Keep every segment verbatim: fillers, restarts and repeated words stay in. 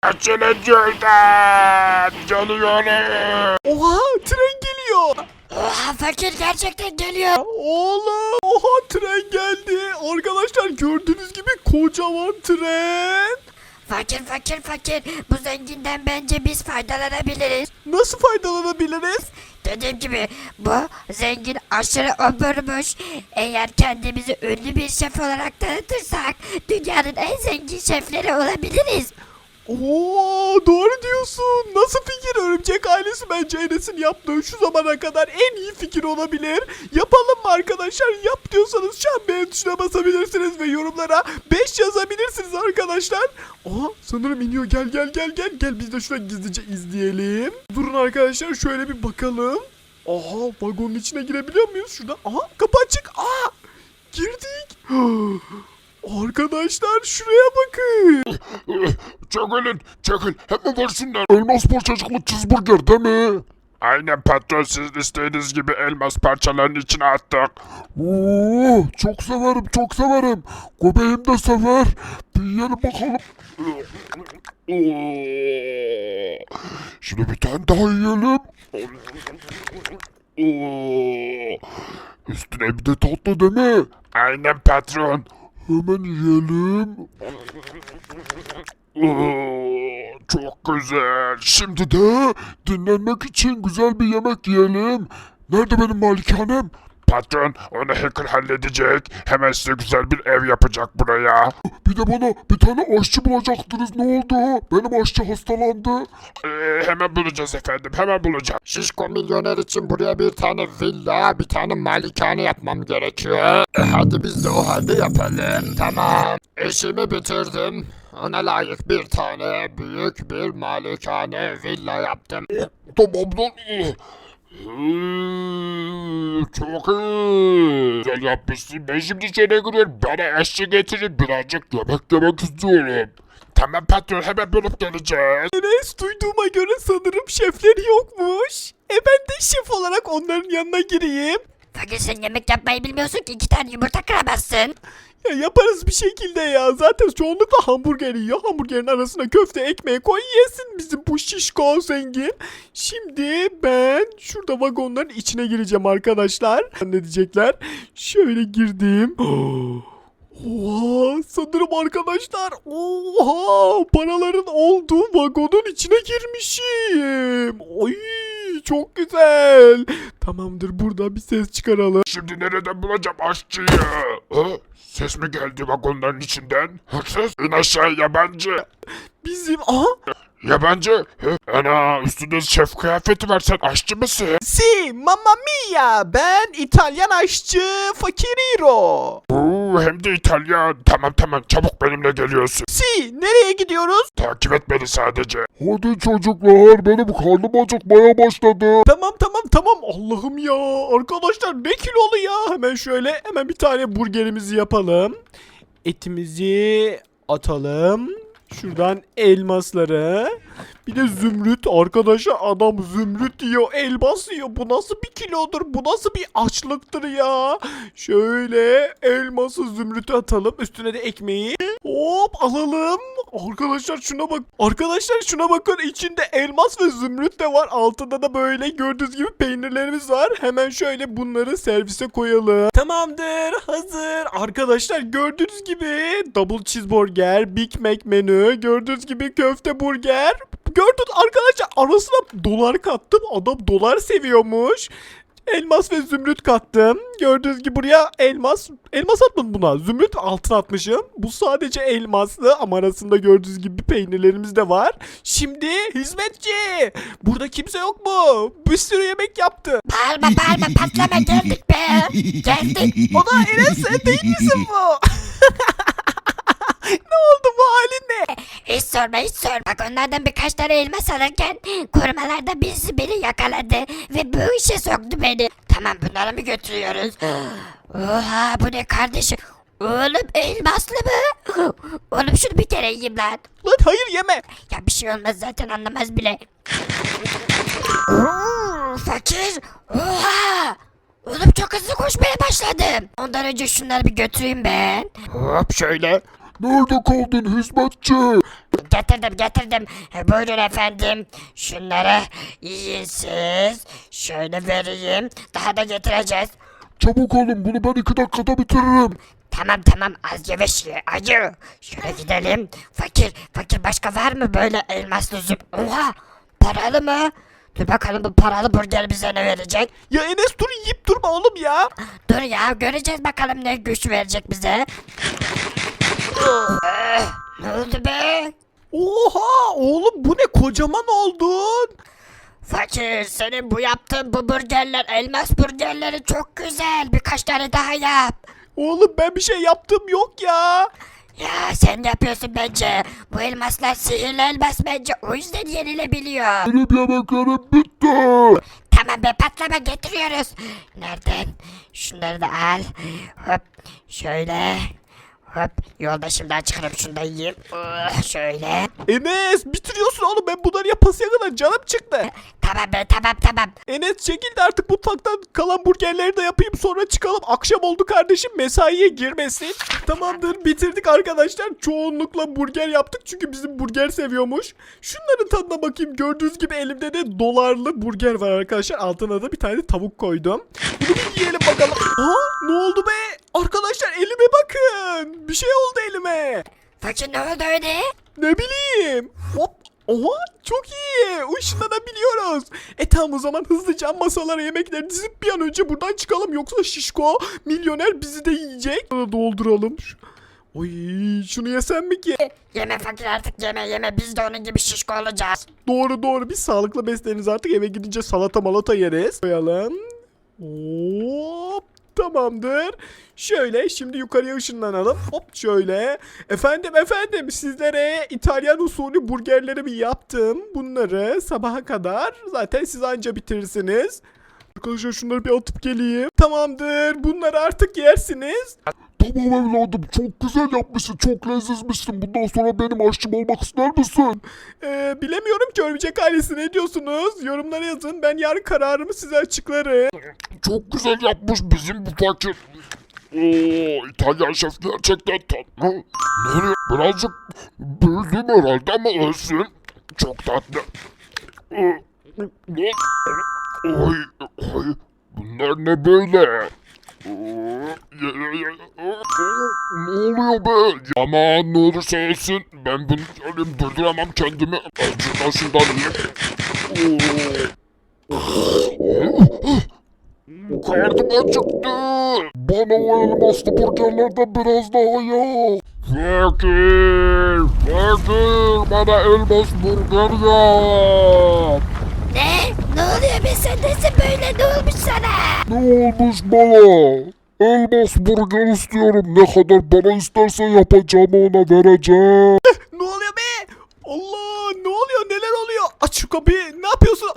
Açılın şuradan. Geliyorum. Oha tren geliyor. Oha fakir gerçekten geliyor. Oğlum oha tren geldi. Arkadaşlar gördüğünüz gibi kocaman tren. Fakir fakir fakir. Bu zenginden bence biz faydalanabiliriz. Nasıl faydalanabiliriz? Dediğim gibi bu zengin aşırı oburmuş. Eğer kendimizi ünlü bir şef olarak tanıtırsak dünyanın en zengin şefleri olabiliriz. Oo doğru diyorsun. Nasıl fikir? Örümcek ailesi bence Enes'in yaptığı şu zamana kadar en iyi fikir olabilir. Yapalım mı arkadaşlar? Yap diyorsanız şu an beğen tuşuna basabilirsiniz ve yorumlara beş yazabilirsiniz arkadaşlar. Aha sanırım iniyor. Gel gel gel gel. Gel biz de şuradan gizlice izleyelim. Durun arkadaşlar şöyle bir bakalım. Aha vagonun içine girebiliyor muyuz? Şuradan. Aha kapı açık. Aa girdik. Arkadaşlar şuraya bakın. Çekilin, çekil. Hemen versinler. Elmas parçacıklı cheeseburger değil mi? Aynen patron, sizin istediğiniz gibi elmas parçalarının içine attık. Oo, çok severim, çok severim. Göbeğim de sever. Bir yiyelim bakalım. Oo. Şimdi bir tane daha yiyelim. Oo. Üstüne bir de tatlı değil mi? Aynen patron. Hemen yiyelim. Oo, çok güzel. Şimdi de dinlenmek için güzel bir yemek yiyelim. Nerede benim malikanem? Patron onu hacker halledecek. Hemen size güzel bir ev yapacak buraya. Bir de bana bir tane aşçı bulacaktınız. Ne oldu? Benim aşçı hastalandı. Ee, hemen bulacağız efendim. Hemen bulacağız. Şişko milyoner için buraya bir tane villa, bir tane malikane yapmam gerekiyor. E hadi biz de o halde yapalım. Tamam. İşimi bitirdim. Ona layık bir tane büyük bir malikane villa yaptım. Tamamdır. Hmm, çok iyi. Güzel yapmışsın. Ben şimdi içeri giriyorum. Bana eşlik getirin. Birazcık yemek yemek istiyorum. Tamam patron, hemen bulup geleceğiz. Enes duyduğuma göre sanırım şefleri yokmuş. E ben de şef olarak onların yanına gireyim. Fakir sen yemek yapmayı bilmiyorsun ki iki tane yumurta kıramazsın. Ya yaparız bir şekilde ya. Zaten çoğunlukla hamburger yiyor. Hamburgerin arasına köfte ekmeği koy yesin bizim bu şişko zengin. Şimdi ben şurada vagonların içine gireceğim arkadaşlar. Ne diyecekler? Şöyle girdim. Oha sanırım arkadaşlar. Oha paraların olduğu vagonun içine girmişim. Oy çok güzel. Tamamdır burada bir ses çıkaralım. Şimdi nereden bulacağım aşçıyı? Ha? Ses mi geldi vagonların içinden? Hırsız? İn aşağı yabancı. Bizim aha. Yabancı? Hı? Ana üstünde şef kıyafeti var, sen aşçı mısın? Si mamma mia ben İtalyan aşçı Fakiriro. Oo, hem de İtalyan. Tamam tamam, çabuk benimle geliyorsun. Si nereye gidiyoruz? Takip et beni sadece. Hadi çocuklar, benim karnım acıkmaya başladı. Tamam tamam tamam Allah'ım ya arkadaşlar ne kilolu ya. Hemen şöyle hemen bir tane burgerimizi yapalım. Etimizi atalım. Şuradan elmasları. Bir de zümrüt. Arkadaşlar adam zümrüt yiyor. Elmas yiyor. Bu nasıl bir kilodur? Bu nasıl bir açlıktır ya? Şöyle elması zümrütü atalım. Üstüne de ekmeği. Hop alalım. Arkadaşlar şuna bak. Arkadaşlar şuna bakın. İçinde elmas ve zümrüt de var. Altında da böyle gördüğünüz gibi peynirlerimiz var. Hemen şöyle bunları servise koyalım. Tamamdır. Hazır. Arkadaşlar gördüğünüz gibi double cheeseburger, Big Mac menü, gördüğünüz gibi köfte burger. Gördün arkadaşlar arasına dolar kattım. Adam dolar seviyormuş. Elmas ve zümrüt kattım. Gördüğünüz gibi buraya elmas. Elmas atmadım buna. Zümrüt altın atmışım. Bu sadece elmaslı ama arasında gördüğünüz gibi peynirlerimiz de var. Şimdi hizmetçi. Burada kimse yok mu? Bir sürü yemek yaptı. Bağırma bağırma patlama geldik be. Geldik. O da Enes sen değil misin bu? Ne oldu bu halin ne? Hiç sorma hiç sorma. Bak onlardan birkaç tane elmas alırken korumalarda birisi beni yakaladı ve bu işe soktu beni. Tamam bunları mı götürüyoruz? Oha bu ne kardeşim? Oğlum elmaslı mı? Oğlum şunu bir kere yiyeyim lan. Lan hayır yeme. Ya bir şey olmaz zaten anlamaz bile. Oo, fakir. Oha. Oğlum çok hızlı koşmaya başladım. Ondan önce şunları bir götüreyim ben. Hop şöyle. Nerede kaldın hizmetçi? Getirdim getirdim. E, Buyurun efendim. Şunları yiyin siz. Şöyle vereyim. Daha da getireceğiz. Çabuk olun bunu ben iki dakikada bitiririm. Tamam tamam az yavaş ye acı. Şöyle gidelim. Fakir fakir başka var mı böyle elmaslı züp? Oha paralı mı? Dur bakalım bu paralı burger bize ne verecek? Ya Enes dur yiyip durma oğlum ya. Dur ya göreceğiz bakalım ne güç verecek bize. Eh, ne oldu be? Oha oğlum bu ne kocaman oldun. Fakir senin bu yaptığın bu burgerler elmas burgerleri çok güzel. Birkaç tane daha yap. Oğlum ben bir şey yaptım yok ya. Ya sen yapıyorsun bence. Bu elmaslar sihirli elmas bence. O yüzden yenilebiliyor. Benim yemeklerim bitti. Tamam be patlama getiriyoruz. Nereden? Şunları da al. Hop şöyle. Hop yoldaşımdan çıkarıp şunu da yiyeyim. Oh, şöyle. Enes bitiriyorsun oğlum ben bunları yapasıya kadar canım çıktı. Tamam be tamam tamam. Enes çekil de artık mutfaktan kalan burgerleri de yapayım sonra çıkalım. Akşam oldu kardeşim mesaiye girmesin. Tamamdır bitirdik arkadaşlar. Çoğunlukla burger yaptık çünkü bizim burger seviyormuş. Şunların tadına bakayım. Gördüğünüz gibi elimde de dolarlı burger var arkadaşlar. Altına da bir tane tavuk koydum. Bunu bir yiyelim bakalım. Aa ne oldu be? Arkadaşlar elime bakın. Bir şey oldu elime. Fakir ne oldu öyle? Ne bileyim. Hop. Oha çok iyi. Işınlanabiliyoruz. E tamam o zaman hızlıca masalara yemekleri dizip bir an önce buradan çıkalım. Yoksa şişko milyoner bizi de yiyecek. Dolduralım. Şu- Oy şunu yesem mi ki? Yeme fakir artık yeme yeme biz de onun gibi şişko olacağız. Doğru doğru biz sağlıklı besleniriz artık eve gidince salata malata yeriz. Koyalım. Hop. Tamamdır. Şöyle şimdi yukarıya ışınlanalım. Hop şöyle. Efendim efendim sizlere İtalyan usulü burgerlerimi yaptım. Bunları sabaha kadar zaten siz anca bitirirsiniz. Arkadaşlar şunları bir atıp geleyim. Tamamdır. Bunları artık yersiniz. Tamam evladım çok güzel yapmışsın çok lezzetmişsin. Bundan sonra benim aşçım olmak ister misin? Ee, bilemiyorum ki örümcek ailesi ne diyorsunuz? Yorumlara yazın. Ben yarın kararımı size açıklarım. Çok güzel yapmış bizim bu fakir. Oo, İtalyan şef gerçekten tatlı. Nereye? Birazcık büyüdüm herhalde ama ölsün. Çok tatlı. Ee, ne? Oy, oy, bunlar ne böyle? Oo, ya- ya- ya- oo, ne oluyor be? Aman ne olursa olsun ben bunu söyleyeyim durduramam kendimi. Acıdan şundan yiyeyim. Oo. Karnım acıktı. Bana o elmaslı burgerlerden biraz daha yap. Fakir, fakir bana elmas burger yap. Ne? Ne oluyor be sen nesin böyle ne olmuş sana? Ne olmuş bana? Elmas burger istiyorum. Ne kadar bana istersen yapacağım ona vereceğim. Ne oluyor be? Allah ne oluyor neler oluyor? Aç şu kapıyı ne yapıyorsun?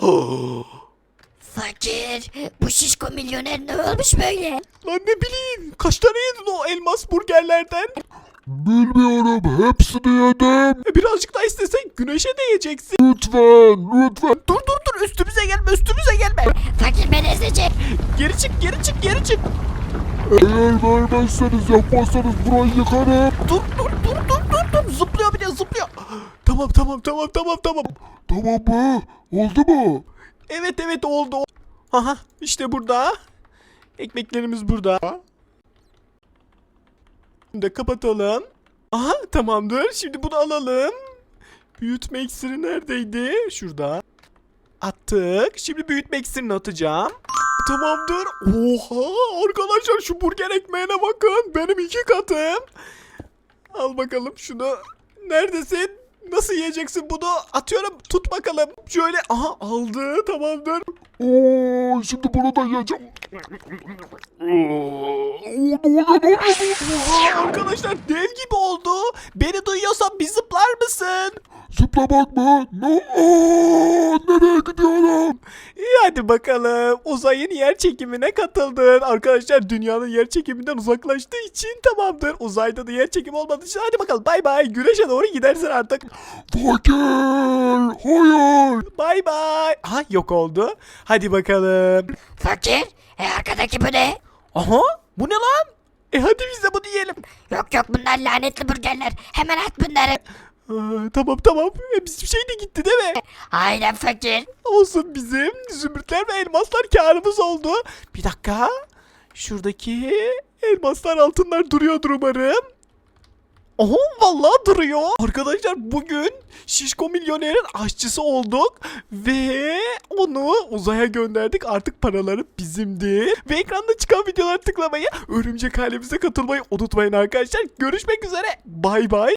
Fakir bu şişko milyoner ne olmuş böyle? Lan ne bileyim kaç tane yedin o elmas burgerlerden? Bilmiyorum hepsini yedim. E, birazcık daha istesen güneşe değeceksin. Lütfen lütfen. Dur dur dur üstümüze gelme üstümüze gelme. Fakir beni ezecek. Geri çık geri çık geri çık. Eğer vermezseniz yapmazsanız burayı yıkarım. Dur dur dur dur dur dur zıplıyor bir de zıplıyor. Tamam tamam tamam tamam tamam. Tamam mı? Oldu mu? Evet evet oldu. Aha işte burada. Ekmeklerimiz burada. Bunu da kapatalım. Aha tamamdır. Şimdi bunu alalım. Büyütme iksiri neredeydi? Şurada. Attık. Şimdi büyütme iksirini atacağım. Tamamdır. Oha arkadaşlar şu burger ekmeğine bakın. Benim iki katım. Al bakalım şunu. Neredesin? Nasıl yiyeceksin bunu? Atıyorum. Tut bakalım. Şöyle. Aha aldı. Tamamdır. Oo, şimdi bunu da yiyeceğim. Oo, ne oluyor ne oluyor ne oluyor? Oha arkadaşlar dev gibi oldu. Beni duyuyorsan bir zıplar mısın? Zıplamak mı? No, Aa, nereye gidiyorum? İyi hadi bakalım. Uzayın yer çekimine katıldın. Arkadaşlar dünyanın yer çekiminden uzaklaştığı için tamamdır. Uzayda da yer çekimi olmadığı için hadi bakalım bay bay. Güneşe doğru gidersin artık. Fakir, hayır. Bay bay. Ha yok oldu. Hadi bakalım. Fakir e arkadaki bu ne? Aha bu ne lan? E hadi biz de bunu yiyelim. Yok yok bunlar lanetli burgerler. Hemen at bunları. Aa, tamam tamam. E, bizim şey de gitti değil mi? Aynen fakir. Olsun bizim zümrütler ve elmaslar karımız oldu. Bir dakika. Şuradaki elmaslar altınlar duruyordur umarım. Oho vallahi duruyor. Arkadaşlar bugün Şişko Milyoner'in aşçısı olduk. Ve onu uzaya gönderdik. Artık paraları bizimdi. Ve ekranda çıkan videolara tıklamayı, örümcek ailemize katılmayı unutmayın arkadaşlar. Görüşmek üzere. Bay bay.